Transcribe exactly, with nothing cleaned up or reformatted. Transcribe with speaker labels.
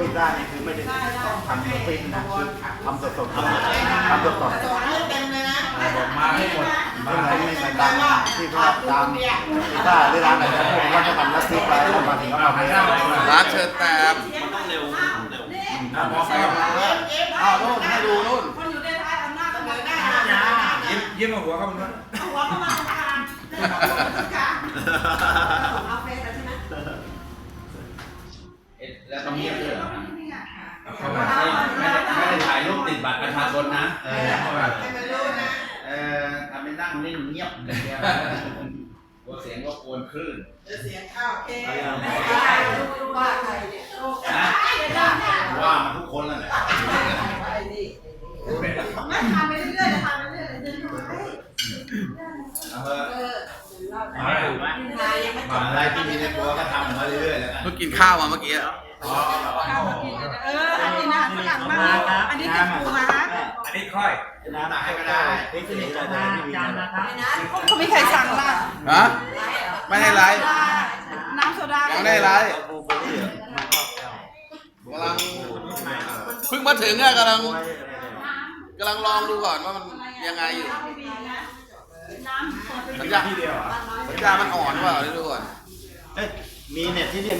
Speaker 1: ปิดได้นี่คือไม่ได้ทำฟินนะคือทำสดๆทำทำสดๆ
Speaker 2: เต็มเลยนะ
Speaker 3: บอกมาให้หมด
Speaker 1: ไม่เหมือนไม่เหมือนตามที่พวกตามถ้าหรือร้านไหนนะพวกว่าจะทำลัทธิไปแล้วมาถึงก็มาไม่ได้
Speaker 4: ร้านเชิญแตม
Speaker 5: มันต้องเร็วเร็ว
Speaker 3: มองไป
Speaker 1: อ้าวนู่นให้ดูนู่น
Speaker 2: คนอยู่ในท้ายอำนาจเสนอหน้า
Speaker 3: ยิ้มยิ้มมาหัวเขาบนนู้น
Speaker 2: หัวเข้ามาทางเอาเฟซใช่ไหม
Speaker 5: แล้วต้องเงียบด้วยเหรอไม่ได้ไม่ได้ถ่ายรูปติดบัตรประชาชนนะ
Speaker 3: เออเข้ามา
Speaker 2: ให้มันรู้นะ
Speaker 5: เออทำเป็นนั่งนิ่งเงียบอย่างเงี้ยกลัวเสียงก็กวนคลื่น
Speaker 2: จะเสียข้าวเองไม่ได้รู้ว่าใครเนี่ย
Speaker 5: นะว่ามาทุกคนแล้วแหละ
Speaker 2: ไม่ทำไปเรื่อยๆทำไปเรื่อยๆเดินไป
Speaker 5: เอาเถอะ
Speaker 2: เออ
Speaker 5: มายังไม่จบอะไรที่มีในตัวก็ทำมาเรื่อยๆแล้วกัน
Speaker 4: เพิ่งกินข้าวมาเมื่อกี้
Speaker 2: เอออันนี้นะฝรั่งมากอันนี้เป็นปูมาฮะ
Speaker 3: อันนี้ค่อย
Speaker 1: น้ำให้ก็ได้พริกนี่ก็ได้ที่มีนะ
Speaker 2: เขาไม่ใครสั่งละ
Speaker 4: ฮะไม่ให้ไลฟ์
Speaker 2: น้ำโซดา
Speaker 4: ยังไม่ได้ไลฟ์กำลังเพิ่งมาถึงอะกำลังกำลังลองดูก่อนว่ามันยังไงอยู่สัญญาณสัญญาณมันอ่อนหรือเปล่าดูก่อน
Speaker 1: เอ้ยมีเน็ตที่นี่